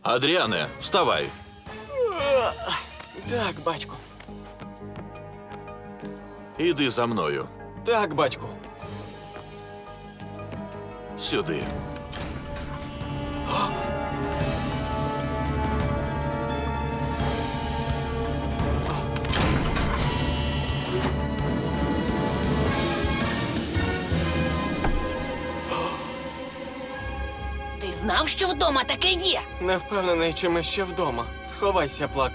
Адріане, вставай. Так, батьку. Іди за мною. Так, батьку. Сюди. Ти знав, що вдома таке є? Не впевнений, чи ми ще вдома. Сховайся, Плак.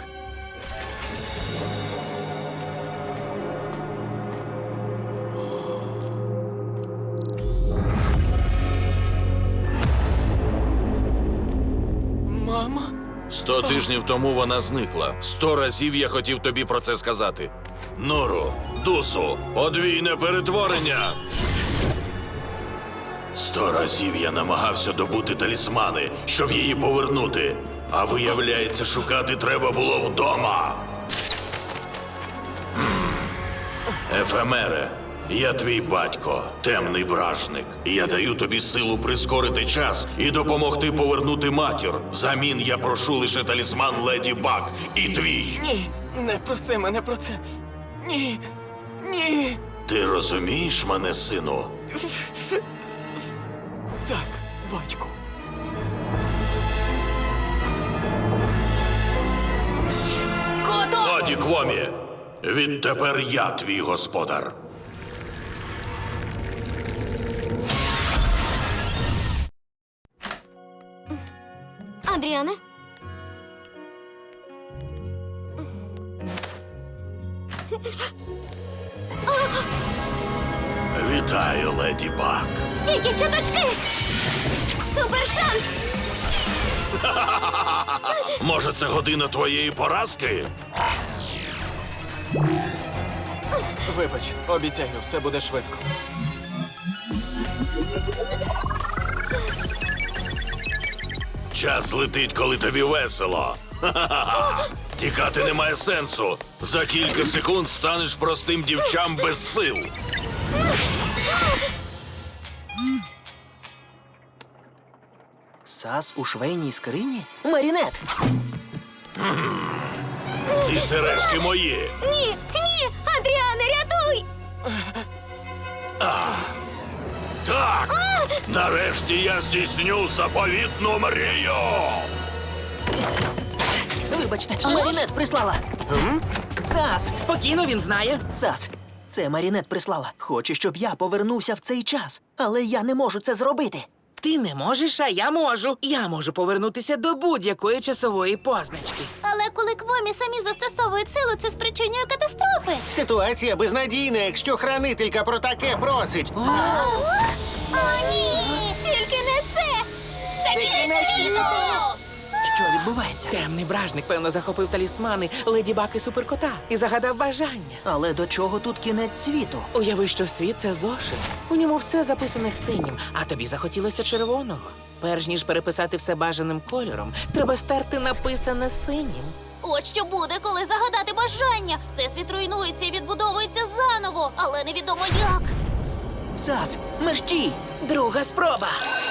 Мама? 100 тижнів тому вона зникла. 100 разів я хотів тобі про це сказати. Нору, Дусу, подвійне перетворення. 100 разів я намагався добути талісмани, щоб її повернути. А виявляється, шукати треба було вдома. Ефемере, я твій батько, темний бражник. Я даю тобі силу прискорити час і допомогти повернути матір. Взамін я прошу лише талісман Леді Баг і твій. Ні, не проси мене про це. Ні. Ні. Ти розумієш мене, сину? Так, батьку. Кото! Годі, Квомі! Відтепер я твій господар. Адріане? Вітаю, Леді Баг. Тільки цяточки! Супер шанс! Може, це година твоєї поразки? Вибач, обіцяю, все буде швидко. Час летить, коли тобі весело. Ха-ха-ха. Тікати немає сенсу. За кілька секунд станеш простим дівчам без сил. Сас у швейній скрині? Марінет! Ці сережки мої. Ні! Ні! Адріане, рятуй! Так! Нарешті я здійсню заповітну мрію! Вибачте, Марінет прислала. Сас! Спокійно, він знає. Сас, це Марінет прислала. Хоче, щоб я повернувся в цей час. Але я не можу це зробити. Ти не можеш, а я можу. Я можу повернутися до будь-якої часової позначки. Але коли Квомі самі застосовують силу, це спричинює катастрофи. Ситуація безнадійна, якщо хранителька про таке просить. О, ні! Тільки не це! Це кінець світу! Що відбувається? Темний бражник, певно, захопив талісмани Леді Баг і Суперкота і загадав бажання. Але до чого тут кінець світу? Уяви, що світ – це зошит. У ньому все записане синім, а тобі захотілося червоного. Перш ніж переписати все бажаним кольором, треба стерти написане синім. От що буде, коли загадати бажання. Всесвіт руйнується і відбудовується заново, але невідомо як. Сас, мерщій! Друга спроба.